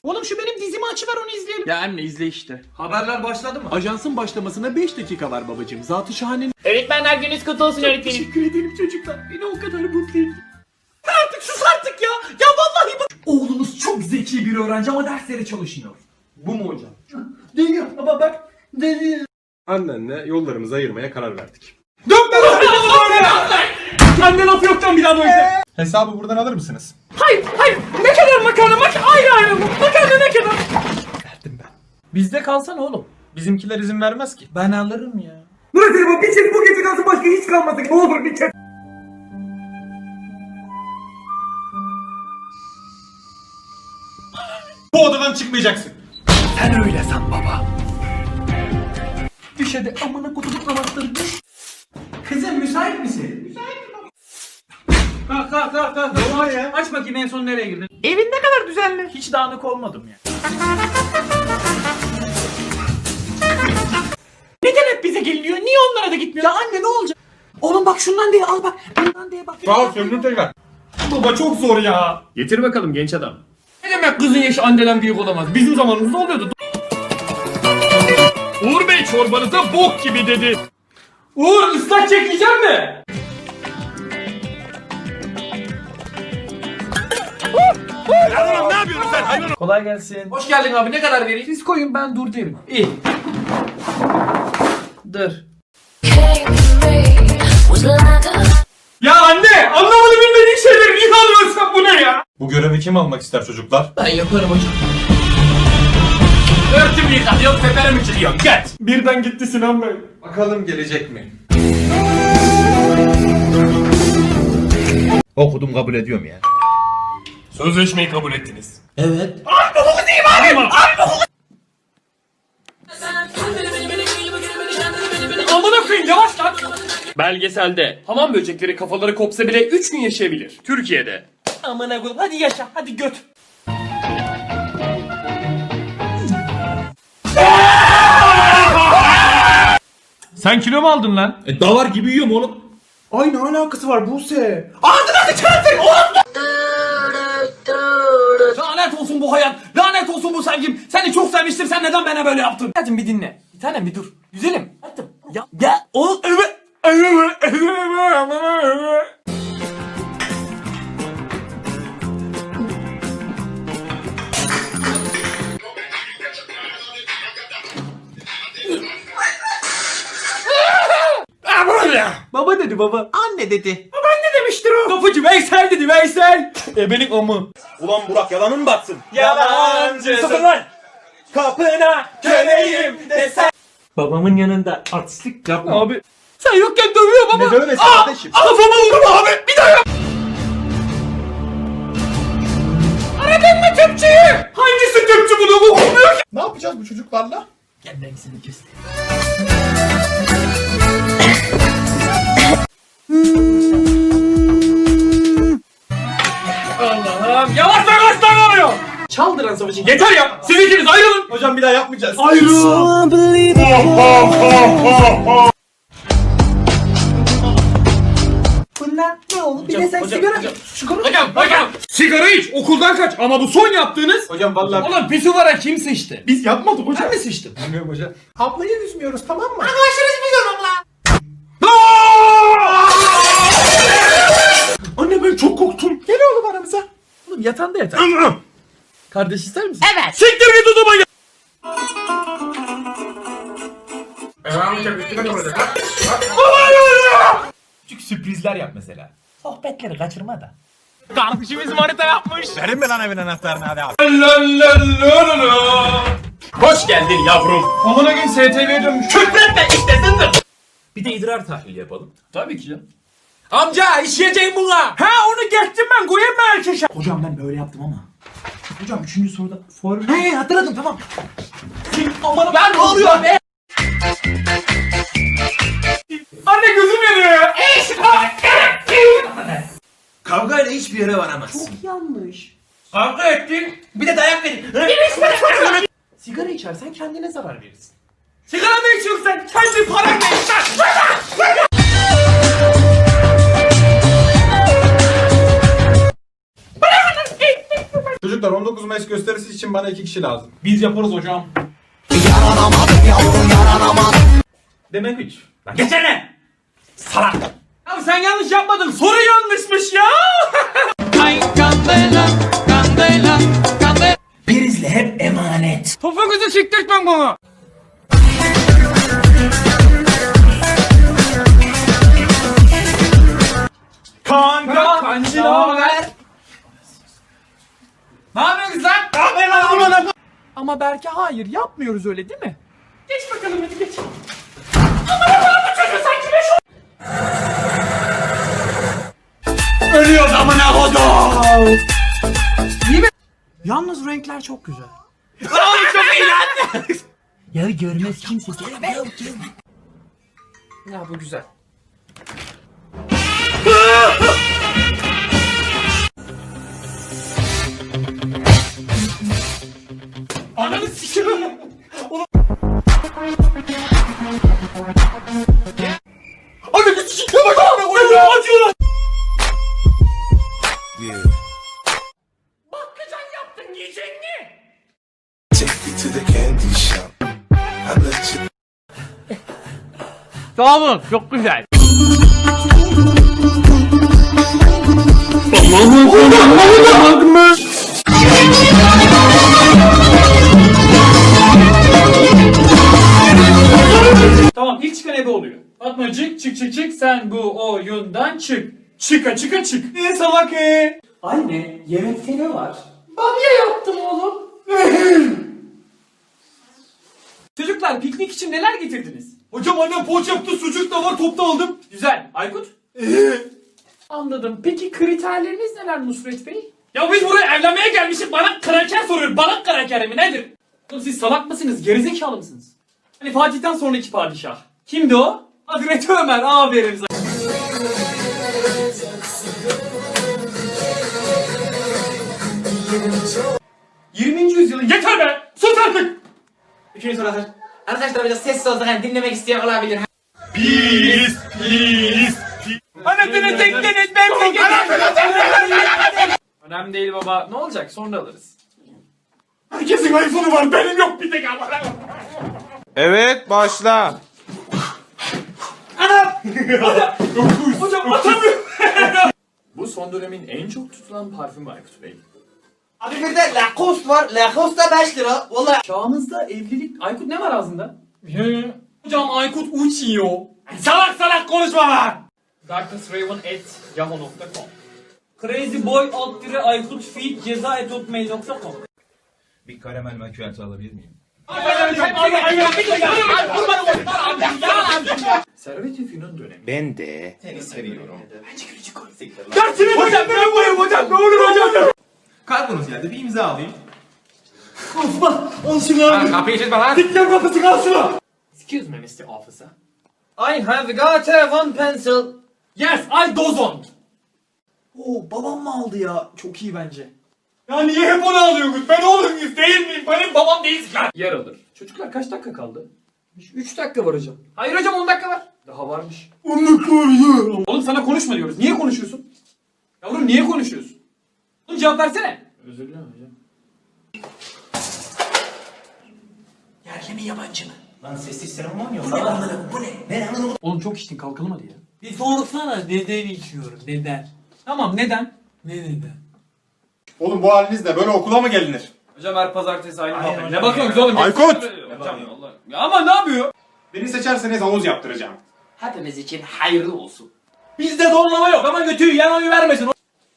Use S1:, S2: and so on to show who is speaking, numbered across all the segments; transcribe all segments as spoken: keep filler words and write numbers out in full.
S1: Oğlum şu benim dizimi açıver onu izleyelim.
S2: Ya anne izle işte.
S1: Haberler başladı mı?
S3: Ajansın başlamasına beş dakika var babacığım. Zat-ı şahanenin...
S4: Öğretmenler gününüz kutlu olsun öğretmenim.
S1: Teşekkür ederim çocuklar. Beni o kadar mutlu ettin. Artık sus artık ya. Ya vallahi bak. Oğlunuz çok zeki bir öğrenci ama derslere çalışmıyor. Bu mu hocam? Değil ama bak. Değil.
S3: Annenle yollarımızı ayırmaya karar verdik.
S1: Dönme lan böyle. Anne laf yoktan bir daha böyle.
S3: Hesabı buradan alır mısınız?
S1: Hayır hayır. Ne kadar makarna mak ayrı ayrı mı? Makarna ne kadar?
S3: Verdim ben.
S1: Bizde kalsana oğlum.
S3: Bizimkiler izin vermez ki.
S1: Ben alırım ya.
S5: Murat Elma bir çek bu gece kalsın başka hiç kalmasın. Ne olur bir çek.
S3: Bu odadan çıkmayacaksın.
S1: Düş hadi amına kutuluk namazları düş. Kızım müsait misin? Müsaitim baba. Kalk kalk kalk kalk. Ne var ya? Aç bakayım en son nereye girdin?
S4: Evin ne kadar düzenli.
S1: Hiç dağınık olmadım ya. Neden hep bize geliniyor? Niye onlara da gitmiyor? Ya anne ne olacak? Oğlum bak şundan diye al bak. Bundan diye bak.
S3: Sağ ol söndür tekrar.
S1: Baba çok zor ya.
S2: Getir bakalım genç adam.
S1: Ne demek kızın yaşı anneden büyük olamaz? Bizim zamanımızda oluyordu.
S2: Uğur Bey çorbanıza bok gibi dedi.
S1: Uğur ıslak çekeceğim mi?
S2: Ne yapıyorsun sen hayvan?
S1: Kolay gelsin. Hoş geldin abi. Ne kadar vereyim? Siz koyun ben dur derim. İyi. Dur. Ya anne! Anlamadı bilmediğin şeyleri niye alıyorsun bu ne ya?
S3: Bu görevi kim almak ister çocuklar?
S1: Ben yaparım hocam.
S2: Örtümü yıkatıyor tepere mi çıkıyor? Geç.
S1: Birden gitti Sinan Bey.
S3: Bakalım gelecek mi?
S6: Okudum kabul ediyorum ya.
S2: Sözleşmeyi kabul ettiniz.
S1: Amına koyayım yavaş lan.
S2: Belgeselde hamam böcekleri kafaları kopsa bile üç gün yaşayabilir. Türkiye'de.
S1: Amına koyayım hadi yaşa hadi göt.
S2: Sen kilo mu aldın lan?
S6: E davar gibi yiyorum oğlum.
S3: Ay ne alakası var Buse?
S1: Lanet olsun bu hayat. Lanet olsun bu sevgim. Seni çok sevmiştim. Sen neden bana böyle yaptın? Hadi bir dinle. Bir tanem bir dur. Güzelim. Hadi. Ya ya o evet. Baba dedi baba. Anne dedi. Babaanne demiştir o. Kapıcı Veysel dedi Veysel. Ebelik amı.
S6: Ulan Burak yalanın mı batsın?
S1: Yalancı.
S6: Sakın lan! Kapına köleyim desen.
S1: Babamın yanında artistlik yapma. Abi. Sen yokken dövüyor baba.
S3: Ne dövmesi kardeşim?
S1: Kafama vurma abi. Bir daha yap. Aradın mı tüpçüyü? Hangisi tüpçü bunu bu olmuyor ki?
S3: Ne yapacağız bu çocuklarla?
S1: Gel ben seni göstereyim. Allah'ım yavaş yavaş lan oluyor. Çaldıran savaşı. Yeter ya. Siz ikiniz ayrılın.
S3: Hocam bir daha yapmayacağız.
S1: Ayrılın. Bunlar ne oldu? Bir de sen sigara. Sigara.
S2: Hocam hocam. Sigara iç okuldan kaç ama bu son yaptığınız.
S3: Hocam vallahi
S2: Oğlum pisuvara kim sıçtı?
S3: biz yapmadık hocam.
S1: Ben mi sıçtım?
S3: Bilmiyorum hocam. Ablayı üzmüyoruz tamam mı?
S1: Anne ben çok korktum. Gel oğlum aramıza. Oğlum yatağında yatar. Kardeş ister misin?
S4: Evet.
S1: Siktir git o zaman ya. Küçük sürprizler yap mesela. Sohbetleri kaçırma da.
S2: Kardeşimiz manita yapmış.
S6: Verin mi lan evin anahtarını hadi abi.
S2: Hoş geldin yavrum.
S1: Amına gün S T V'ye dönmüş.
S2: Küfretme iştesindir.
S1: Bir de idrar tahlili yapalım.
S2: Tabii ki canım.
S1: Amca işleyeceğim buna. Ha onu geçtim ben koyayım mı erkeşe? Hocam ben böyle yaptım ama. Hocam üçüncü soruda for... He hatırladım tamam. Aman ben ne oluyor be? Anne gözüm yanıyor ya.
S6: Kavgayla hiçbir yere varamazsın.
S1: Yanlış. Kavga ettin.
S6: Bir de dayak verin.
S1: Sigara içersen kendine zarar verirsin. Sigara mı içiyorsun sen? Kendi paranla içsen.
S3: Çocuklar on dokuz Mayıs gösterisi için bana iki kişi lazım. Biz yaparız hocam.
S6: Demek üç. Lan geçene. Salak.
S2: Abi sen yanlış yapmadın. Soru yanlışmış ya.
S1: Prizle hep emanet.
S2: Topuğunuzu siktirtmem bana.
S6: Kanka.
S2: Kancı ne haber? Ne yapıyorsunuz lan?
S1: Ama belki hayır yapmıyoruz öyle değil mi?
S2: Geç bakalım hadi geç.
S6: Ölüyor amına kodum.
S1: Yalnız renkler çok güzel.
S5: Ya görmez kimse.
S1: Ya bu güzel.
S2: Ananı sikiyorum.
S3: Anne bir sikikle bak amına koyayım ya.
S2: Acıyor lan. Bakkacan yaptın yiyecek mi?
S7: Take me to the candy shop. I let you.
S4: Sağ olun, çok güzel.
S2: Tamam ilk çıkan ebe oluyor. Fatmacık çık çık çık sen bu oyundan çık. Çıka çıka çık. Ne salak e? Anne yemekte ne var? Bamya yaptım oğlum. Çocuklar piknik için neler getirdiniz?
S3: Hocam annem poğaça yaptı, sucuk da var, topta aldım.
S2: Güzel. Aykut? Anladım. Peki kriterleriniz neler Nusret Bey? Ya biz buraya evlenmeye gelmişiz. Bana kraker soruyor. Bana kraker mi nedir? Oğlum siz salak mısınız? Gerizekalı mısınız? Hani Fatih'ten sonraki padişah. Kimdi o? Hazreti Ömer. Aferin sana. yirminci yüzyılın yeter be! Sus artık!
S4: Üçüncü soru hazır. Arkadaşlar biraz sessiz olsak hani dinlemek isteyen olabilir.
S2: Anasını tekleniz ben Önemli değil baba. Ne olacak? Sonra alırız.
S3: Herkesin iPhone'u var, benim yok bir tek ama.
S6: Evet başla.
S2: Hocam atamıyorum. Bu son dönemin en çok tutulan parfümü Aykut Bey.
S4: Abi bir de Lacoste var. Lacoste da beş lira. Vallahi.
S2: Çağımızda evlilik... Aykut ne var ağzında? Hocam Aykut uçuyor. Salak salak konuşma lan! darknessraven at yahoo nokta com Crazyboy alt dire Aykut feed ceza et hotmail nokta com
S7: Bir karamel macchiato alabilir miyim?
S2: Servet-i Fünun dönemi.
S6: Ben de.
S2: Dersini hocam ben koyayım hocam ne olur hocam.
S3: Kargonuz geldi, bir imza alayım.
S6: Kapıyı çizme lan.
S2: Dikler kapısı kalsın. Excuse me mister Officer. I have got a one pencil. Yes I dozon. Oo babam mı aldı ya? Çok iyi bence.
S3: Ya niye hep onu alıyorsunuz? Ben oğlunuz değil miyim? Benim babam değilsin ya.
S2: Yer alır. Çocuklar kaç dakika kaldı? üç dakika var hocam. Hayır hocam on dakika var. Daha varmış.
S3: on dakika var ya.
S2: Oğlum sana konuşma diyoruz. Niye konuşuyorsun? Yavrum niye konuşuyorsun? Oğlum cevap versene. Özür dilerim hocam.
S1: Yerli mi yabancı mı?
S5: Lan sessiz seremon yok. Anladım bu ne? Ne anladım?
S2: Oğlum çok içtin kalkalım hadi ya.
S1: Bir sorsana neden içiyorum neden?
S2: Tamam neden?
S1: Ne neden?
S3: Oğlum bu halinizle böyle okula mı gelinir?
S2: Hocam her pazartesi aynı
S1: Aynen
S2: muhabbet.
S1: hocam
S2: Ne bakıyorsunuz oğlum?
S3: Aykut!
S2: Hocam Allah. Ya ama ne yapıyor?
S3: Beni seçerseniz havuz yaptıracağım.
S4: Hepimiz için hayırlı olsun.
S2: Bizde zorlama yok ama götüyü yan oyu vermesin.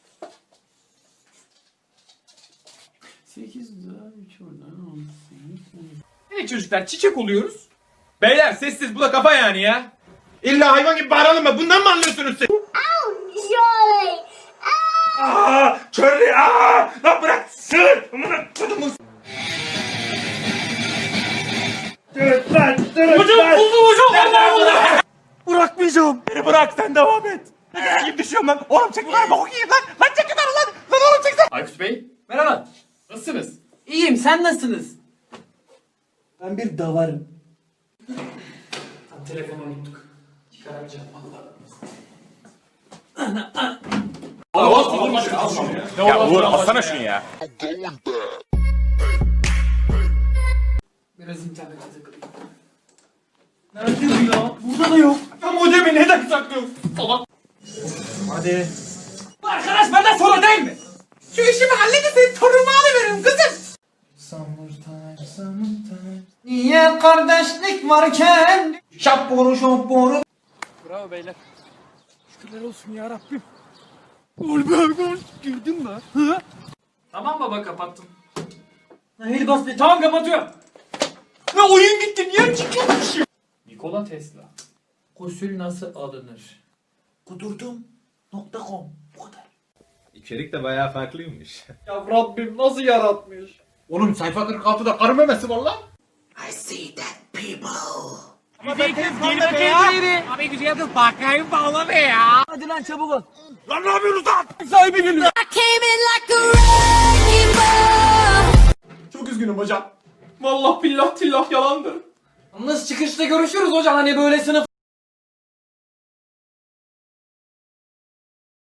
S2: sekiz daha üç oradan on sekiz. Evet çocuklar çiçek oluyoruz.
S6: Beyler sessiz bu da kafa yani ya. İlla hayvan gibi bağıralım mı? Bundan mı anlıyorsunuz siz?
S8: Surely.
S6: Aaa! Körlü! Aaa! Lan bırak! Sığır! Amına kodumun! Dırıt lan! Dırıt
S2: Hocam
S6: lan!
S2: buldum hocam. Allah Allah.
S6: Bırakmayacağım! Beni bırak sen devam et! Ne gibi düşüyorum lan? Oğlum çek yukarı bak okuyayım lan! Lan çek yukarı lan! Lan oğlum çek sen!
S2: Aykut Bey merhaba. Nasılsınız?
S1: İyiyim sen nasılsınız? Ben bir davarım.
S2: Telefonu unuttuk. Çıkaramayacağım valla.
S6: Ya Uğur alsana şunu ya.
S2: Biraz internete takılayım.
S1: Nerede bu ya? Burada da yok.
S3: Ya modemi neden saklıyorsun?
S2: Salak.
S1: Hadi.
S2: Bu arkadaş benden sonra değil mi?
S1: Şu işimi halledin senin torunumu alıveririm kızım. Niye kardeşlik varken şapboru şapboru.
S2: Bravo beyler. Tamam baba kapattım.
S1: Hayır bas be.
S2: Tamam kapatıyorum.
S3: Ne oyun gitti niye çıkıyormuş?
S2: Nikola Tesla.
S1: Gusül nasıl alınır? Kudurdum nokta com. Bu kadar.
S9: İçerik de bayağı farklıymış.
S3: Ya Rabbim nasıl yaratmış?
S6: Oğlum sayfa kırk altıda karı memesi var lan.
S1: I see that people.
S6: Lan ne yapıyorsunuz lan? Sahibi geliyor.
S3: Çok üzgünüm hocam. Vallahi billah tillah yalandır.
S1: Yalnız çıkışta görüşürüz hocam hani böyle sınıf